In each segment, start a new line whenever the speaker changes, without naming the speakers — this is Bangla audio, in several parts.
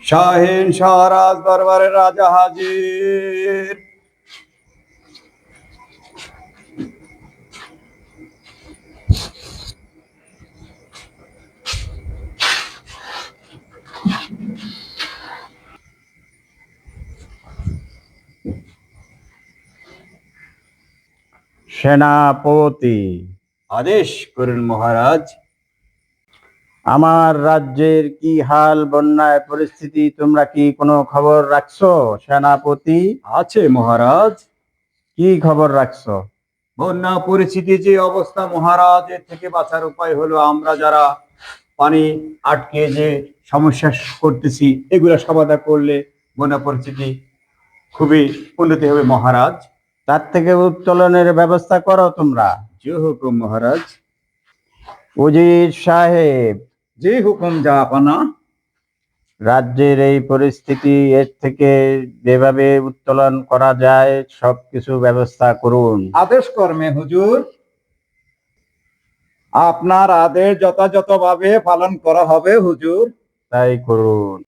শাহীন শাহরাজ দরবারের রাজা হাজির।
সেনাপতি,
আদেশ করুন মহারাজ।
আমার রাজ্যের কি হাল, বন্যায় পরিস্থিতি তোমরা কি কোনো খবর রাখছো? সেনাপতি,
আছে মহারাজ।
কি খবর রাখছো?
বন্যা পরিস্থিতি যে অবস্থা মহারাজ, এর থেকে বাঁচার উপায় হলো আমরা যারা পানি আটকে যে সমস্যা করতেছি, এগুলো সমাধান করলে বন্যা পরিস্থিতি খুবই উন্নতি হবে মহারাজ।
তার থেকে উত্তোলনের ব্যবস্থা করো তোমরা।
যে হুকুম মহারাজ।
উজির সাহেব,
যে হুকুম জাহাপানা।
রাজ্যের এই পরিস্থিতি, এর থেকে যেভাবে উত্তোলন করা যায় সবকিছু ব্যবস্থা করুন।
আদেশ কর্মে হুজুর। আপনার আদেশ যথাযথভাবে পালন করা হবে হুজুর।
তাই করুন।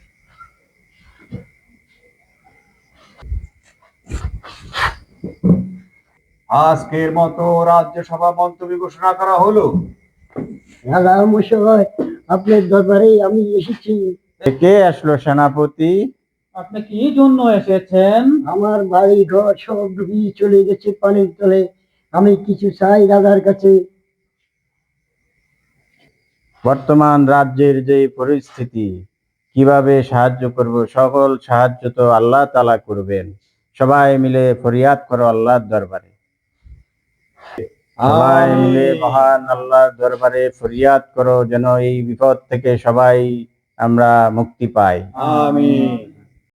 আজকের মতো রাজ্যসভা মন্তব্য ঘোষণা করা হলো।
রাজা মশাই, আপনার দরবারে আমি এসেছি।
কে আসলো সেনাপতি?
আপনি কি জন্য এসেছেন?
আমার বাড়ি ঘর সব ডুবিয়ে চলে গেছে পানির তলে। আমি কিছু চাই রাজার কাছে।
বর্তমান রাজ্যের যে পরিস্থিতি, কিভাবে সাহায্য করব? সকল সাহায্য তো আল্লাহ তাআলা করবেন। সবাই মিলে ফরিয়াদ করো আল্লাহর দরবারে। সবাই মিলে মহান আল্লাহর দরবারে ফরিয়াদ করো যেন এই বিপদ থেকে সবাই আমরা মুক্তি পাই।
আমিন।